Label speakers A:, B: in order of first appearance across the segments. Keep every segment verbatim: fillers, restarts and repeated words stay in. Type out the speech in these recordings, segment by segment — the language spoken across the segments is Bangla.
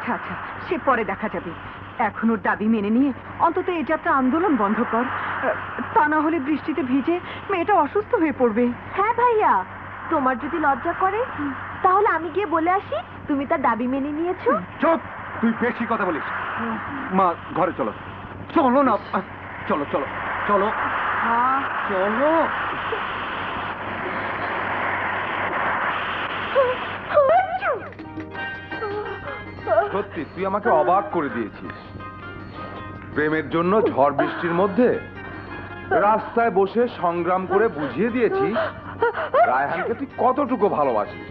A: আচ্ছা আচ্ছা, সে পরে দেখা যাবে। এখন ওর দাবি মেনে নিয়ে অন্তত এই যাত্রা আন্দোলন বন্ধ কর, তা না হলে বৃষ্টিতে ভিজে মেয়েটা অসুস্থ হয়ে পড়বে।
B: হ্যাঁ ভাইয়া, তোমার যদি লজ্জা করে তাহলে আমি গিয়ে বলে আসি তুমি তার দাবি মেনে নিয়েছো।
C: চুপ, তুই বেশি কথা বলিস। মা ঘরে চলো। চলো না, চলো চলো চলো চলো। সত্যি তুই আমাকে অবাক করে দিয়েছিস। প্রেমের জন্য ঝড় বৃষ্টির মধ্যে রাস্তায় বসে সংগ্রাম করে বুঝিয়ে দিয়েছিস রায়হানকে তুই কতটুকু ভালোবাসিস।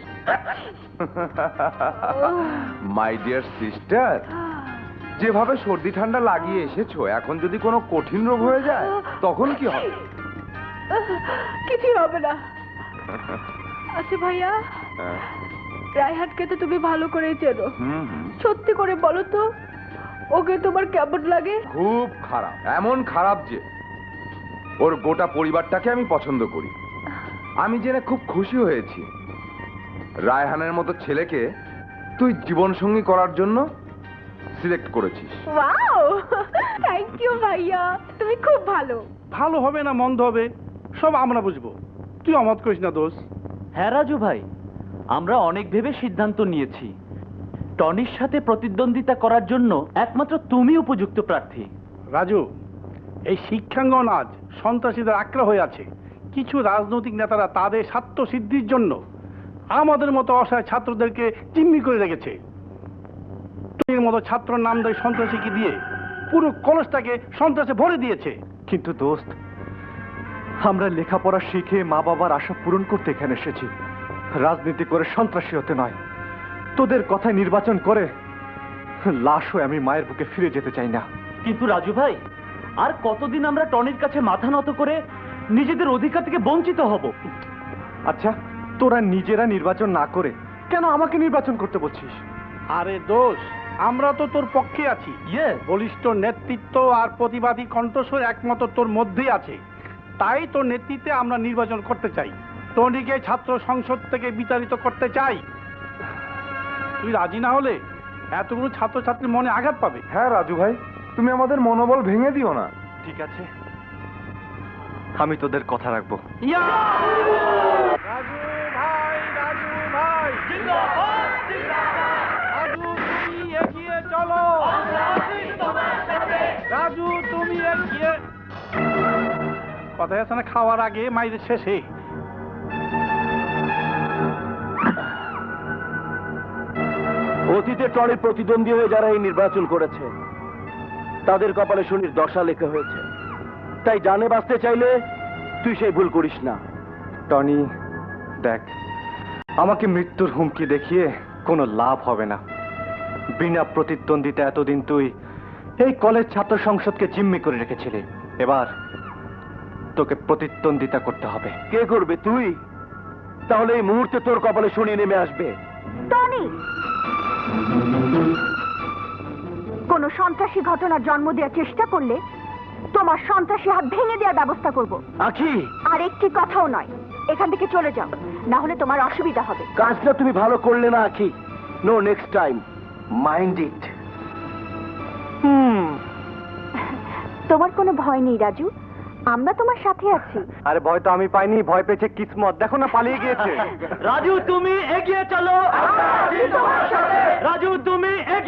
C: মাই ডিয়ার সিস্টার, যেভাবে সর্দি ঠান্ডা লাগিয়ে এসেছো, এখন যদি কোনো কঠিন রোগ হয়ে যায় তখন কি হবে?
B: কিছুই হবে না। আচ্ছা ভাইয়া, রায়হানকে তো তুমি ভালো করেই চেনো, সত্যি করে বলো তো ওকে তোমার কেমন লাগে?
C: খুব খারাপ, এমন খারাপ যে ওর গোটা পরিবারটাকে আমি পছন্দ করি। আমি জেনে খুব খুশি হয়েছি রায়হানের মতো ছেলেকে তুই জীবন সঙ্গী করার জন্য সিলেক্ট করেছিস।
B: ওয়াও, থ্যাংক ইউ ভাইয়া, তুমি খুব ভালো।
D: ভালো হবে না মন্দ হবে সব আমরা বুঝবো, তুই অমত করিস না দোষ।
E: হ্যাঁ রাজু ভাই, আমরা অনেক ভেবে সিদ্ধান্ত নিয়েছি টনির সাথে প্রতিদ্বন্দ্বিতা করার জন্য একমাত্র তুমি উপযুক্ত প্রার্থী।
D: রাজু, এই শিক্ষাঙ্গন আজ সন্ত্রাসীদের আক্রা হয়ে আছে। কিছু রাজনৈতিক নেতারা তাদের স্বার্থ সিদ্ধির জন্য আমাদের মতো অসহায় ছাত্রদেরকে জিম্মি করে রেখেছে। টনির মতো ছাত্র নামদারি সন্ত্রাসীকে দিয়ে পুরো কলেজটাকে সন্ত্রাসে ভরে দিয়েছে।
F: কিন্তু দোস্ত, আমরা লেখাপড়া শিখে মা বাবার আশা পূরণ করতে এখানে এসেছি, রাজনীতি করে সন্ত্রাসী হতে নয়। তোদের কথায় নির্বাচন করে লাশ হয়ে আমি মায়ের বুকে ফিরে যেতে চাই না।
E: কিন্তু রাজু ভাই, আর কতদিন আমরা টনির কাছে মাথা নত করে নিজেদের অধিকার থেকে বঞ্চিত হব?
F: আচ্ছা, তোরা নিজেরা নির্বাচন না করে কেন আমাকে নির্বাচন করতে বলছিস?
D: আরে দোষ, আমরা তো তোর পক্ষে আছি।
E: ইয়ে,
D: বলিষ্ঠ নেতৃত্ব আর প্রতিবাদী কণ্ঠস্বর একমাত্র তোর মধ্যেই আছে। তাই তোর নেতৃত্বে আমরা নির্বাচন করতে চাই, টনিকে ছাত্র সংসদ থেকে বিতাড়িত করতে চাই। তুই রাজি না হলে এতগুলো ছাত্রছাত্রীর মনে আঘাত পাবে।
C: হ্যাঁ রাজু ভাই, তুমি আমাদের মনোবল ভেঙে দিও না।
F: ঠিক আছে, আমি তোদের কথা রাখবো।
D: রাজু ভাই, রাজু ভাই জিন্দাবাদ, জিন্দাবাদ। রাজু তুমি এগিয়ে চলো, রাজু তুমি এগিয়ে। কথায় আছে না, খাওয়ার আগে মাইরের শেষে।
G: অতীতে টনির প্রতিদ্বন্দ্বী হয়ে যারা এই নির্বাচন করেছে তাদের কপালে শনির দশা লেখা হয়েছে। তাই জানে বাঁচতে চাইলে তুই সেই ভুল করিস না।
F: টনি দেখ, আমাকে মৃত্যুর হুমকি দেখিয়ে কোনো লাভ হবে না। বিনা প্রতিদ্বন্দ্বিতা এতদিন তুই এই কলেজ ছাত্র সংসদকে জিম্মি করে রেখেছিলি, এবার তোকে প্রতিদ্বন্দ্বিতা করতে হবে।
G: কে করবে? তুই? তাহলে এই মুহূর্তে তোর কপালে শনি নেমে আসবে।
B: টনি, কোন সন্ত্রাসী ঘটনার জন্ম দেওয়ার চেষ্টা করলে তোমার সন্ত্রাসী হাত ভেঙে দেওয়ার ব্যবস্থা করব।
G: আখি,
B: আর একটি কথাও নয়, এখান থেকে চলে যাও, না হলে তোমার অসুবিধা হবে।
G: কাজটা তুমি ভালো করলে না Akhi. No next time, mind it.
B: Hmm, তোমার কোনো ভয় নেই রাজু, আমরা তোমার সাথে আছি।
F: আরে ভয় তো আমি পাইনি, ভয় পেয়েছে কিসমত। দেখো না, পালিয়ে গিয়েছে।
E: রাজু তুমি এগিয়ে চলো।